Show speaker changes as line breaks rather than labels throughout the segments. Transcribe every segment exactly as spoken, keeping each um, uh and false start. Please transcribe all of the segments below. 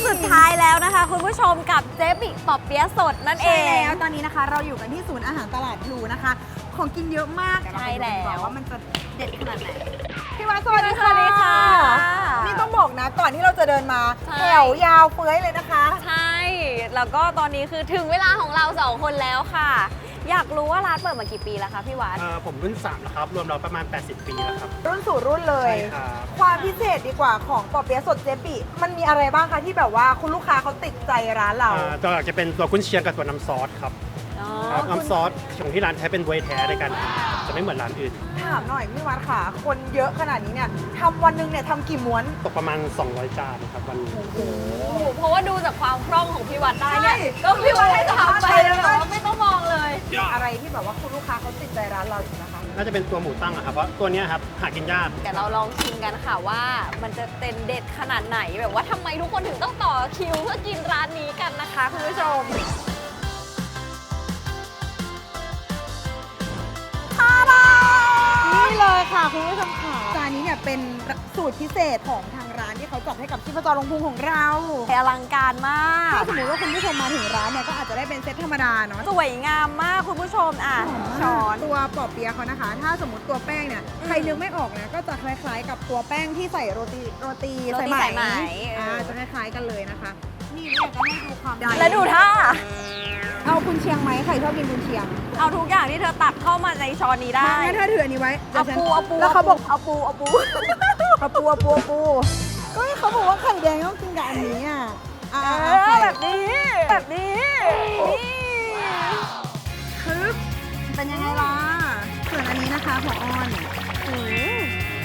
สุดท้ายแล้วนะคะคุณผู้ชมกับเจ๊บิปอเปี๊ยะสดนั่นเอ
ใช่
ง
แล้วตอนนี้นะคะเราอยู่กันที่ศูนย์อาหารตลาดพลูนะคะ ของกินเยอะมาก
ใช่แล้ว
ว่ามันจะเด็ดขนาดไหนพี่วัดสวัสดี
สวัสดีค่ะ
นี่ต้องบอกนะก่อนที่เราจะเดินมา
ใช่
แถวยาวเฟ้ยเลยนะคะ
ใช่ แล้วก็ตอนนี้คือถึงเวลาของเราสองคนแล้วค่ะ อยากรู้ว่าร้านเปิดมากี่ปีแล้วคะพี่วัด
เอ่อผมรุ่นสามแล้วครับ รวมเราประมาณ แปดสิบ ปีแล้วครับ
รุ่นสู่รุ่นเลย
ใช่ครับ
ความพิเศษดีกว่าของปอเปี๊ยะสดเจ๊ปิมันมีอะไรบ้างคะที่แบบว่าคุณลูกค้าเขาติดใจร้านเรา
อ่าตัวหลักจะเป็นตัวกุนเชียงกับตัวน้ำซอสครับ
อ๋อ
ครับ
คุณ
น้ำซอสของที่ร้านใช้เป็นบวยแท้ในการทำจะไม่เหมือนร้านอื่น
ถามหน่อยพี่วัดค่ะ คนเยอะขนาดนี้เนี่ยทำวันหนึงเนี่ยทำกี่ม้วน
ตกประมาณ สองร้อย จานครับวันนี้
เพราะว่าดูจากความคล่องของพี่วัดได้เนี่ย
ใช่
ก็พี่วัดให้ทำไปแล้วแบบว่าไม่ต้องมองเลย
อะไรที่แบบว่าคุณลูกค้าเขาติดใจร้านเราอยู่นะคะ
น่าจะเป็นตัวหมูตั้งอะครับ เพราะตัวเนี้ยครับหากินยาก
แต่เราลองชิมกันค่ะว่ามันจะเต็นเด็ดขนาดไหนแบบว่าทำไมทุกคนถึงต้องต่อคิวเพื่อกินร้านนี้กันนะคะคุณผู้ชมทาดา
นี่เลยค่ะคุณผู้ชมค่ะจานนี้เนี่ยเป็นสูตรพิเศษของทางร้านที่เขาจัดให้กับชิพจรลงพุงของเรา
อลังการมาก
ถ้าสมมติว่าคุณผู้ชมมาถึงร้านเนี่ยก็อาจจะได้เป็นเซตธรรมดาเนาะ
สวยงามมากคุณผู้ชมอ่ะช้อน
ตัวปอเปี๊ยะเขานะคะ ถ้าสมมติตัวแป้งเนี่ย
อืม
ใครนึกไม่ออกนะก็จะคล้ายๆ กับตัวแป้งที่ใส่โรตีโรตี
โรตีสายไหม
อ่า
เออ
จะคล้ายๆกันเลยนะคะ นี่เนี่ยจะให้ดูความใหญ่
แล้วดูท่า
เอากุนเชียงไหมใครชอบกินกุนเชียง
เอาทุกอย่างที่เธอตักเข้ามาในช้อนนี้ได้
งั้นถ้าถืออันนี้ไว้ดี๋
เอา
ยวฉัน
ปูเอาปู
แล้วเขาบอก
เอาปูเอาปู
เอาปูเอาปูเอาปูก็เขาบอกว่าไข่แดงต้องกินกับอันนี้อ่ะอ่า
เอ
โอเค
อแบบนี้ แบบนี้นี่
คึบเป็นยังไงล่ะส่วนอันนี้นะคะหัวอ่อน
อืม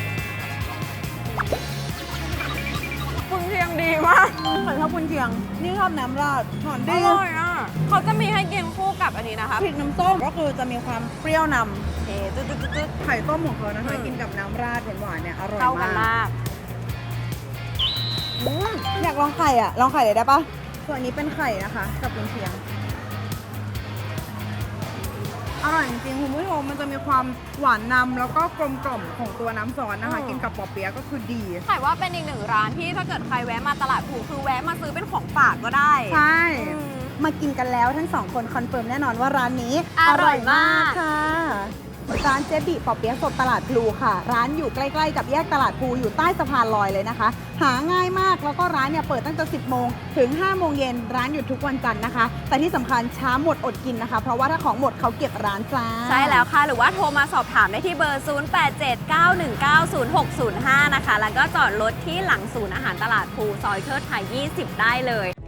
คุณเชียงดีมาก
เหมือนชอบกุนเชียง นี่ชอบน้ำราดหอม
อ
ดี
ร่อยอ่ะเขาจะมีให้กินคู่กับอันนี้นะคะ
พริกน้ำส้มก็คือจะมีความเปรี้ยวน
เอ๊ะตึ๊ดตึ๊ดตึ๊ดตึ๊ด
ำไข่ต้มของเขานะคะ
อืม
กินกับน้ำราดหวานๆเนี่ยอร่อย
เข้ากัน
มาก
มากอืม
อยากลองไข่อ่ะ ลองไข่เลยได้ปะส่วนนี้เป็นไข่นะคะ กับกุนเชียง อร่อยจริงๆคุณผู้ชมมันจะมีความหวานนำแล้วก็กลมกล่อมของตัวน้ำซอสนะคะ กินกับปอเปี๊ยะก็คือดี
แต่ว่าเป็นอีกหนึ่งร้านที่ถ้าเกิดใครแวะมาตลาดผูคือแวะมาซื้อเป็นของฝากก็ได้
ใช่
อืม
มากินกันแล้วทั้งสองคนคอนเฟิร์มแน่นอนว่าร้านนี้
อร่อยมาก
ค่ะร้านเจบิปอเปี๊ยะสดตลาดพลูค่ะ ร้านอยู่ใกล้ๆกับแยกตลาดพลูอยู่ใต้สะพานลอยเลยนะคะ หาง่ายมากแล้วก็ร้านเนี่ยเปิดตั้งแต่สิบโมงถึงห้าโมงเย็นร้านหยุดทุกวันจันทร์นะคะ แต่ที่สำคัญช้าหมดอดกินนะคะ เพราะว่าถ้าของหมดเขาเก็บร้านจ้า
ใช่แล้วค่ะ หรือว่าโทรมาสอบถามได้ที่เบอร์ ศูนย์ แปด เจ็ด เก้า หนึ่ง เก้า ศูนย์ หก ศูนย์ ห้า นะคะ แล้วก็จอดรถที่หลังศูนย์อาหารตลาดภูซอยเทิดไทย ยี่สิบ ได้เลย